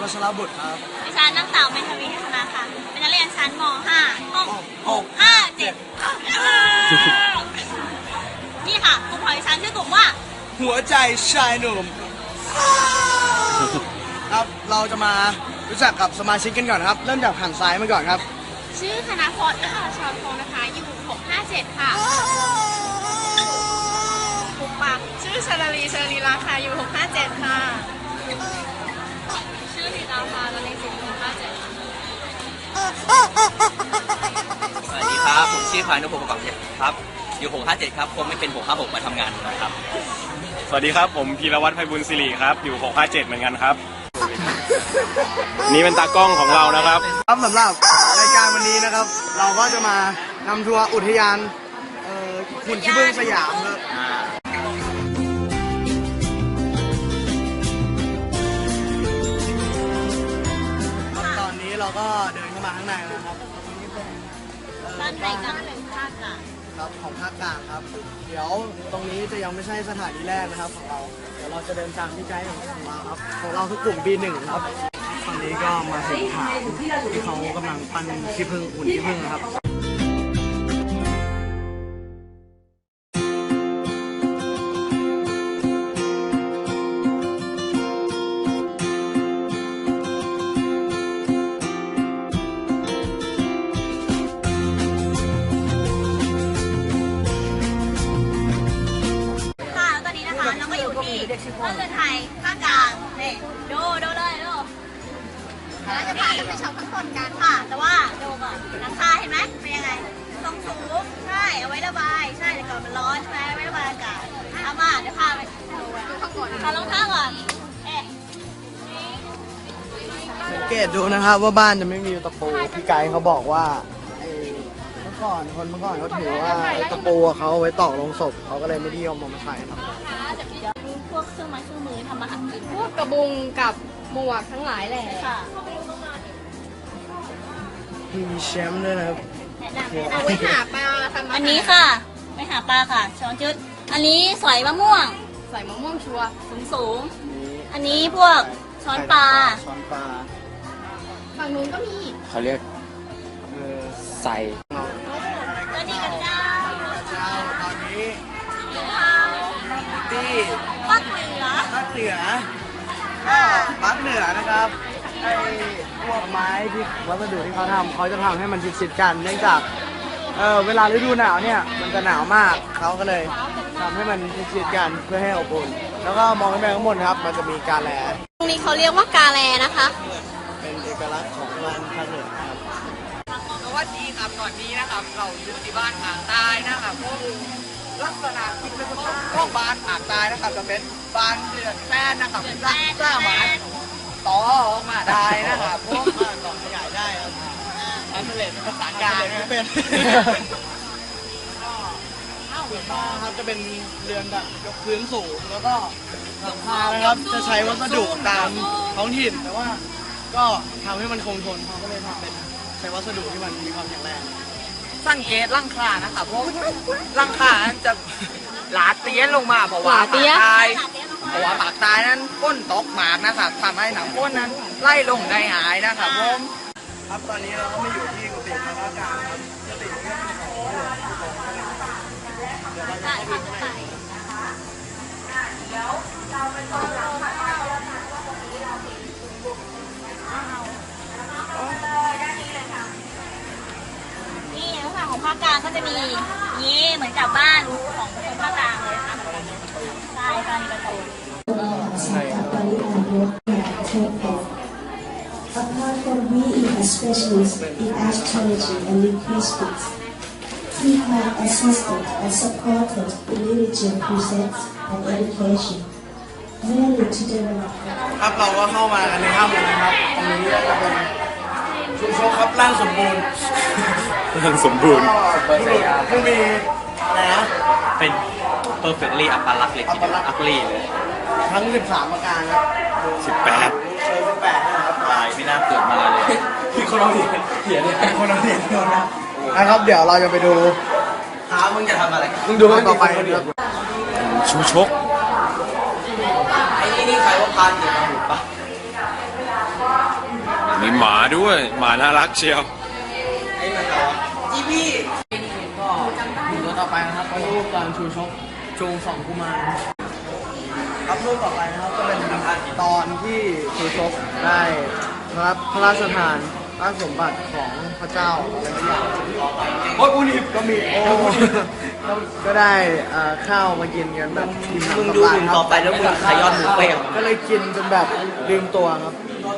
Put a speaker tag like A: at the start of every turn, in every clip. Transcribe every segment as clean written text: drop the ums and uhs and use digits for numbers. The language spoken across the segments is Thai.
A: วัชรบุตรครับ
B: ดิฉันนางสาวเมธาวีทัศนาค่ะเป็นนักเรียนชั้นม .5 ห้อง657นี่ค่ะกลุ่มของดิฉันชื่อกลุ่มว่า
A: หัวใจชายหนุ่มครับเราจะมารู้จักกับสมาชิกกันก่อนครับเริ่มจากหันซ้ายมาก่อนครับ
B: ชื่อคณพจน์นะคะชรพงศ์นะคะอยู่657ค่ะปุ๊บปักชื่อชลลีราคาอยู่657ค่ะชื่อธิดาภาละเลงศิลป์657
C: สวัสดีครับผมชื่อพานุพงศ์ประกอบเพชรครับอยู่657ครับคงไม่เป็น656มาทำงานนะครับ
D: สวัสดีครับผมพีรวัตรไพบุญศิริครับอยู่657เหมือนกันครับนี่เป็นตากล้องของเรานะครับ
A: ครับสำหรับรายการวันนี้นะครับ เราก็จะมานำทัวร์อุทยานหุ่นขี้ผึ้งสยามครับตอนนี้เราก็เดินเข้ามาข้างในแล้วครับนี่เป็น
B: บ้านไหนกันหรือภาคกลาง
A: ครับของภาคกลางครับเดี๋ยวตรงนี้จะยังไม่ใช่สถานีแรกนะครับของเราเดี๋ยวเราจะเดินตามที่ไกด์ของเราครับของเราคือกลุ่ม B1 ครับตอนนี้ก็มาถึงฐานที่เขากำลังปั้นขี้ผึ้งหุ่นขี้ผึ้งนะครับ
B: เราก็อยู่ที่ต้นเรือนไทยภาคกลางนี่ดูเลยดูเราจะพากันไปชมข้างบนกันค่ะแต่ว่าดูก่อนหลังคาเห็นไหมเป็นยังไงทรงสูงใช่เอาไว้ระบายใช่แต่ก่อนมันร้อนใช่ไหมไว้ระบายอากาศเอามาเดี๋ยวพาไปดูข้างบนพาลงข้างก่อน
A: สังเกตดูนะครับว่าบ้านจะไม่มีตะปูพี่ไกด์เขาบอกว่าเมื่อก่อนเขาถือว่าตะปูเขาไว้ตอกลงศพเขาก็เลยไม่นิยมเอามาใช้ครับ
B: พวกเครื่องไม้เครื่องมือทำมาหากิน
E: พวกกระบุงกับหมวกทั้งหลายแหละ
B: ค่ะ
A: มีแชมป์ด้วยนะครับ
E: เอาไว้หาปลาทำ
B: อันนี้ค่ะไปหาปลาค่ะช้อนจุดอันนี้สอยมะม่วง
E: ใส่มะม่วงชัว
B: สูงอันนี้พวกช้อนปลา
E: ฝั่งนู้นก็มี
D: เขาเรียกใส่
B: ก็ดีกันเจ้า
A: ตอนนี้ที่
B: ภาคเหนือ
A: ภาคเหนือนะครับไอ้พวกไม้ที่วัสดุที่เขาทำเขาจะทำให้มันชิดๆกันเนื่องจากเวลาฤดูหนาวเนี่ยมันจะหนาวมากเขาก็เลยทำให้มันชิดๆกันเพื่อให้อบอุ่นแล้วก็มองขึ้นไปข้างบนครับมันจะมีกาแล
B: ตรงนี้เขาเรียกว่ากาแลนะคะ
A: เป็นเอกลักษณ์ของบ้านภาคเหนือครับ
C: สวัสดีครับตอนนี้นะครับเราอยู่ที่บ้านหางตายนะครับพวกลักษณะที่เป็นของบ้านหางตายนะครับจะเป็นบ้านเรือนแป้นนะครับสามารถต่อออกมาได้นะครับพวก
A: ต่อขยายได้ครับ
C: อันเล็เป็นภาษากลาง
A: ไม่เป็นบ้านครับจะเป็นเรือนแบบยกพื้นสูงแล้วก็หลังคานะครับจะใช้วัสดุตามท้องถิ่นแต่ว่าก็ทำให้มันคงทนเขาก็เลยทำเป็นใช้วัสดุที่มันมีความแข็งแรง
C: สังเกตร่างคานะครับพวกร่างคาจะหลาเตี้ยลงมาเพราะว่าปากตายนั้นก้นตกหมากนะครับทำให้หนังก้นนั้นไล่ลงได้หายนะครับผม
A: ครับตอนนี้เราก็มาอยู่ที่กุฏิพระอาจารย์ครับกุฏินี้เดี๋ยวเราจะให้ดูข้างใน
B: นี่ลักษณะของภาคกลางก็จะมีนี่เหมือนกับบ้านของคนภาคกลางเลยค่ะใช่ค่ะมีประตู
F: Apart from being a specialist in astrology and linguistics, he had assisted and supported religion precepts and education, mainly to develop.
A: ครับเราก็เข้ามากันในถ้ำเลยนะครับตรงนี้ก็จะเป็นชุมชนครับร่างสมบูรณ์ผู้มีอะไรนะ
C: เป็น perfectly อัปลักษณ์เลยทีเดียวอัปลีเลย
A: ทั้ง13ประการครับ
D: 18
A: นะครับ
C: ตายไม่น่าเกิดมาเลย
A: พี่คนเราเถียงเนี่ยคนเราเถียงนะครับเดี๋ยวเราจะไปดู
C: มึงจะทำอะไร
A: มึงดูต่อไปครับ
D: ชูชก
C: ไอ้นี่ใครว่าพานอยู่มาหุบปะ
D: หมาด้วย หมาน่ารักเชียว
A: จีบี้ก็ดูตัวต่อไปนะครับเป็นรูปการชูชกชูสองกุมารครับรูปต่อไปนะครับก็เป็นตอนที่ชูชกได้รับพระราชทานราชสมบัติของพระเจ้าอะไรสักอย่างโอ้ยอุนิบก็มีก็ได้ข้าวมากินกันแบบมึงดูหนึ่งต่อไปแล้วมึงขย้อนหมูเป้งก็เลยกินจนแบบลืมตัวครับ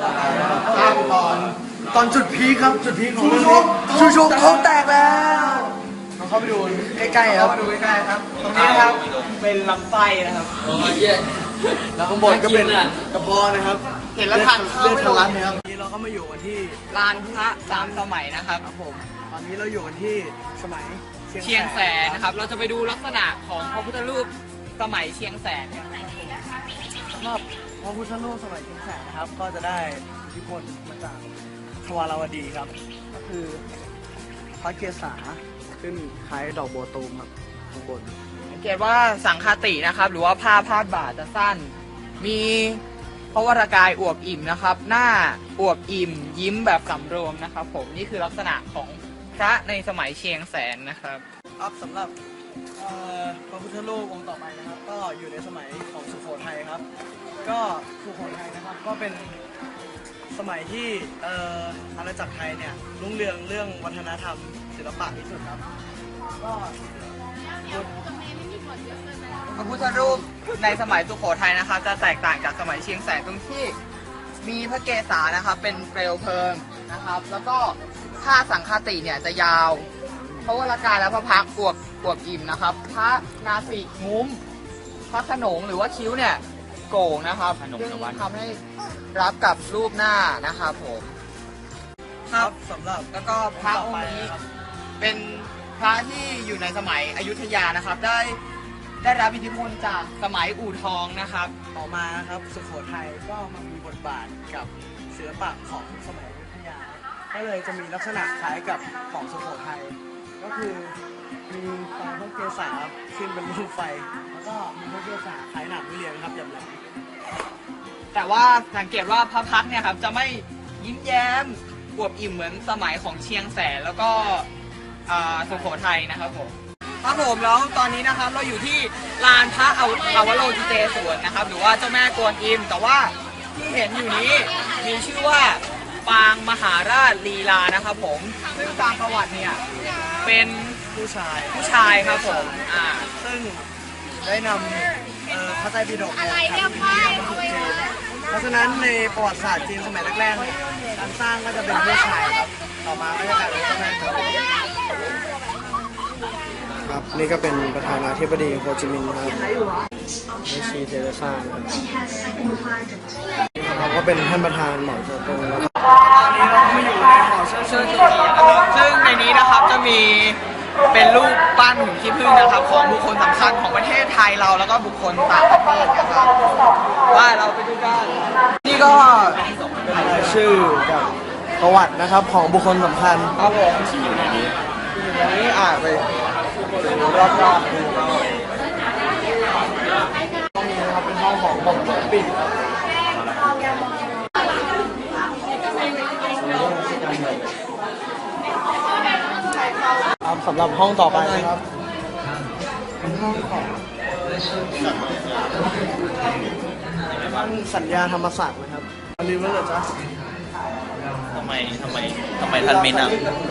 A: ตอนจุดพีคครับจุดพีคของชูชกท้องแตกแล้วลองเข้าไปดูใกล้ๆครับดูใกล้ๆครับตรงนี้นะครับเป็นลำไส้นะครับแล้วข้างบนก็เป็นกระเพาะนะครับเห็นแล้วทานเลือดทะลักนะครับนี้เราก็มาอยู่กันที่
C: ลานพระสามสมัยนะครับ
A: ครับผมตอนนี้เราอยู่กันที่สมัย
C: เชียงแสนนะครับ เราจะไปดูลักษณะของพระพุทธรูปสมัยเชียงแสน
A: สำหรับพระพุทธรูปสมัยเชียงแสนนะครับ ก็จะได้อิทธิพลมาจากทวารวดีครับ ก็คือพระเกศาขึ้นคล้ายดอกบัวตูมครับข้างบน
C: สังเกตว่าสังฆาตินะครับ หรือว่าผ้าพาดบ่าจะสั้น มีพระวรากายอวบอิ่มนะครับ หน้าอวบอิ่มยิ้มแบบสำรวมนะครับผมนี่คือลักษณะของพระในสมัยเชียงแสนนะครับ
A: ครับสำหรับพระพุทธรูปองค์ต่อไปนะครับ ก็อยู่ในสมัยของสุโขทัยครับ ก็สุโขทัยนะครับก็เป็นสมัยที่อาณาจักรไทยเนี่ยรุ่งเรืองเรื่องวัฒนธรรมศิลปะที่สุดครับก็
C: พระพุทธรูปในสมัยสุโขทัยนะครับ จะแตกต่างจากสมัยเชียงแสนตรงที่มีพระเกศานะครับเป็นเปลวเพลิงนะครับ แล้วก็ผ้าสังฆาติเนี่ยจะยาวพระวรากายและพระพักตร์อวบอิ่มนะครับพระนาสิกงุ้มพระขนงหรือว่าคิ้วเนี่ยโก่งนะครับซึ่งทำให้รับกับรูปหน้านะครับผมครับ
A: สำหรับ
C: แล้วก็พระองค์นี้เป็นพระที่อยู่ในสมัยอยุธยานะครับ ได้รับอิทธิพลจากสมัยอู่ทองนะครับ
A: ต่อมานะครับสุโขทัยก็มามีบทบาทกับศิลปะของสมัยอยุธยา ก็เลยจะมีลักษณะคล้ายกับของสุโขทัยก็คือมีไฟพระเกศาขึ้นเป็นรูปไฟ แล้วก็มีพระเกศาคล้ายหนังวิเลียนครับอย่างไร
C: แต่ว่าสังเกตว่าพระพักตร์เนี่ยครับจะไม่ยิ้มแย้มอวบอิ่มเหมือนสมัยของเชียงแสนแล้วก็สุโขทัยนะครับผมครับผมแล้วตอนนี้นะครับเราอยู่ที่ลานพระอวโลกิเตศวรนะครับหรือว่าเจ้าแม่กวนอิมแต่ว่าที่เห็นอยู่นี้มีชื่อว่าปางมหาราชลีลานะครับผมซึ่งตามประวัติเนี่ยเป็น
A: ผู้ชาย
C: ครับผม
A: ซึ่งได้นำพระไตรปิฎกอะไรเนี่ยไปเพราะฉะนั้นในประวัติศาสตร์จีนสมัยแรกๆเนี่ยการสร้างก็จะเป็นผู้ชายครับต่อมาก็จะกลายเป็นเจ้าแม่กวนอิมครับนี่ก็เป็นประธานาธิบดีโฮจิมินห์ครับไม่ชีเทเรซ่าครับเราก็เป็นท่านประธานหมอโชตงแล้วตอนนี้เราก็มาอยู่ในหอเชิด
C: ซึ่งในนี้นะครับจะมีเป็นรูปปั้นหุ่นขี้ผึ้งนะครับของบุคคลสำคัญของประเทศไทยเราแล้วก็บุคคลต่างประเทศนะครับว่าเราไปดูกันนี่ก็
A: เป็นรายชื่อกับประวัตินะครับของบุคคลสำคัญ
C: ครับผม
D: ที่อยู่ในนี้
A: อย่างนี้ไปดูรอบๆดูเราห้องนี้นะครับเป็นห้องของบ่มหลวงปิ่นครับสำหรับห้องต่อไปนะครับเป็นห้องของท่านสัญญาธรรมศักดิ์นะครับลืมแล้วเหรอจ๊ะ
G: ทำไมท่านไม่นั่ง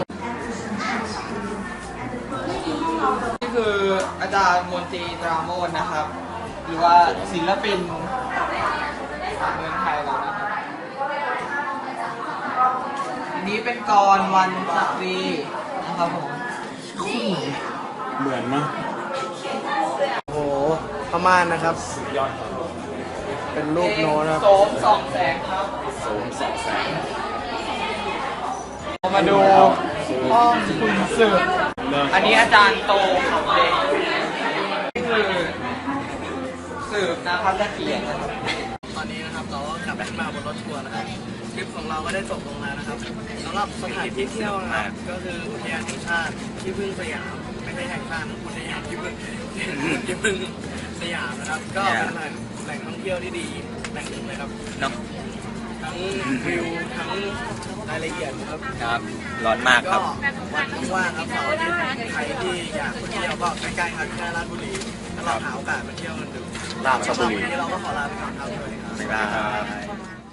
C: นี่คืออาจารย์มนตรีตราโมทนะครับ หรือว่าศิลปินของเมืองไทยเรานะครับอันนี้เป็นกรวันศักรีนะครับผม
D: เหมือนมั้ย
A: โอ้โหพม่านนะครับ เป็นรูปโน้ตนะครับ
C: โสมส่องแสงครับเรามาดูห้องคุณสืบอันนี้อาจารย์โตขับเลยนี่คือสืบนะครับจะเขียนนะครับ
A: ตอนนี้นะครับเราก็กลับมาบนรถทัวร์นะครับทริปของเราก็ได้จบลงแล้วนะครับสำหรับสถานที่เที่ยวนะครับก็คืออุทยานแห่งชาติที่พึ่งสยามไม่ใช่แห่งชาตินะอุทยานที่พึ่งสยามนะครับก็เป็นแหล่งท่องเที่ยวที่ดีแหล่งหนึ่งเลยครับ
G: เนาะ
A: ทั้งวิวทั้งายละเอียดครับ
G: ครับ ร้อนมากค
A: ก็
G: รับ
A: วันว่างครับเสาร์อาทิตย์ใครที่อยากไปเที่ยวก็ใกล้ๆครับที่ราชบุรีถ้าเราหาโอกาสมาเที่ยวกันดู
D: ราชบุรี
A: วันนี้เราก็ขอลาไปก่อนครับสวัสดีครับ
G: บ๊ายบาย